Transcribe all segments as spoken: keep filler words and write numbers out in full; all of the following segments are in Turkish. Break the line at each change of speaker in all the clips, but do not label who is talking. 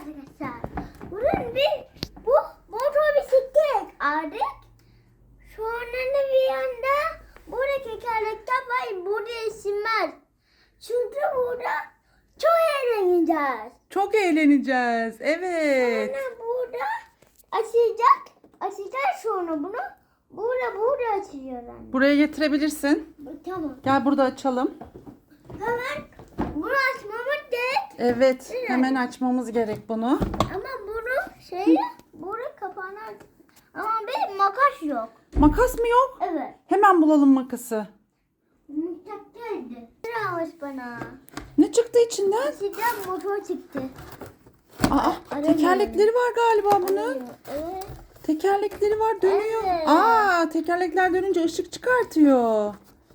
arkadaşlar. Bunun bir bu motor bisiklet aldık. Sonra da bir yanda burada tekerlekler var. Burada isimler. Çünkü burada çok eğleneceğiz.
Çok eğleneceğiz. Evet.
Sonra burada açacak. Açacak sonra bunu. Burada burada açıyor anne.
Buraya getirebilirsin.
Tamam.
Gel burada açalım.
Hemen bunu açmamız gerek.
Evet. Hemen açmamız gerek bunu.
Ama bunu şey burada kapağını aç. Ama benim makas yok.
Makas mı yok?
Evet.
Hemen bulalım makası.
Mutfak geldi. Ne almış bana?
Ne çıktı içinden?
Sizden motor çıktı.
Aa, tekerlekleri var galiba bunun.
Evet.
Tekerlekleri var, dönüyor.
Evet.
Aa, tekerlekler dönünce ışık çıkartıyor.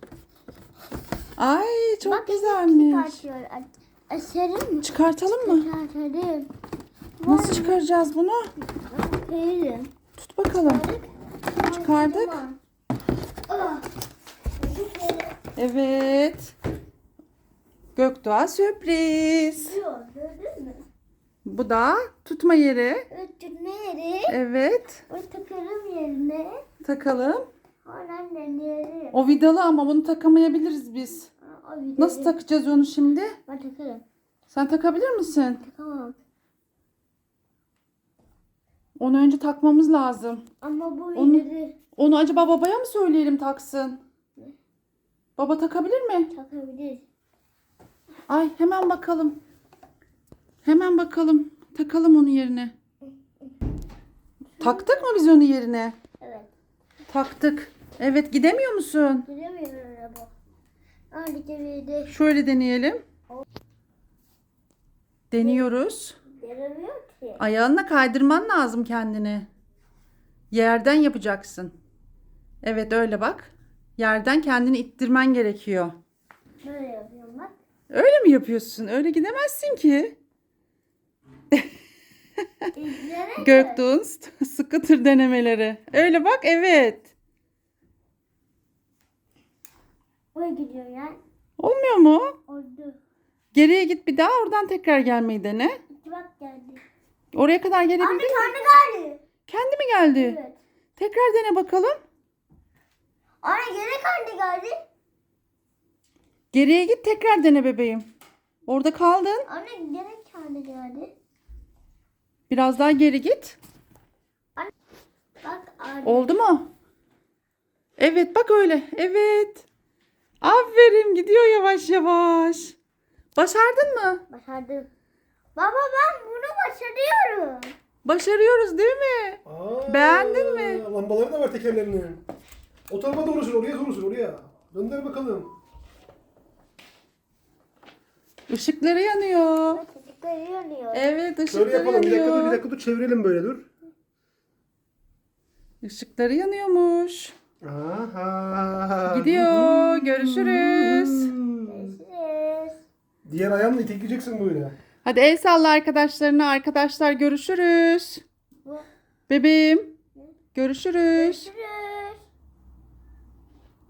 Ay, çok
Bak,
güzelmiş.
çıkartıyor. A- Açarım mı?
Çıkartalım mı?
Çıkartalım.
Nasıl çıkaracağız bunu?
Çıkarırım.
Tut bakalım. Çıkardık.
Ah.
Evet. Gökdoğa sürpriz.
Yok, gördün mü?
Bu da tutma yeri.
Ötürme yeri.
Evet.
O takarım yerine.
Takalım.
Oradan deneyelim.
O vidalı ama bunu takamayabiliriz biz.
O videoyu
Nasıl takacağız onu şimdi?
Ben takarım.
Sen takabilir misin?
Takamam.
Onu önce takmamız lazım.
Ama bu
Onu-
ileri
Onu acaba babaya mı söyleyelim taksın? Baba takabilir mi?
takabilir.
Ay hemen bakalım. Hemen bakalım. Takalım onu yerine. Taktık mı biz onu yerine?
Evet.
Taktık. Evet, gidemiyor musun?
Giremiyor araba. Hadi girdi.
Şöyle deneyelim. Deniyoruz.
Giremiyor ki.
Ayağınla kaydırman lazım kendini. Yerden yapacaksın. Evet, öyle bak. Yerden kendini ittirmen gerekiyor.
Böyle yapıyorum bak.
Öyle mi yapıyorsun? Öyle gidemezsin ki.
İzlere
Göktuğ'un scooter denemeleri. Öyle bak, evet.
Oraya gidiyor yani.
Olmuyor mu?
Oldu.
Geriye git bir daha, oradan tekrar gelmeyi dene.
İki bak geldi.
Oraya kadar
Anne
gelebildin mi?
kendi geldi.
Kendi mi geldi?
Evet.
Tekrar dene bakalım.
Anne gene kendi geldi.
Geriye git, tekrar dene bebeğim. Orada kaldın.
Anne gene kendi geldi.
Biraz daha geri git.
Bak anne.
Oldu mu? Evet, bak öyle. Evet. Aferin, gidiyor yavaş yavaş. Başardın mı?
Başardım. Baba ben bunu başarıyorum.
Başarıyoruz değil mi?
Aa,
Beğendin mi?
Lambaları da var tekerlerinin. O tarafa doğru sür, oraya doğru sür, oraya. Dönder bakalım.
Işıkları yanıyor.
Çocuklar yanıyor.
Evet,
Şöyle
ışıkları
yapalım. Bir dakika dur, bir
yanıyor.
dakika dur. Çevirelim böyle dur.
Işıkları yanıyormuş.
Aha.
Gidiyor. Görüşürüz.
Görüşürüz.
Diğer ayağınla itekleyeceksin böyle.
Hadi el salla arkadaşlarına. Arkadaşlar görüşürüz.
Bu-
Bebeğim. Görüşürüz.
Görüşürüz.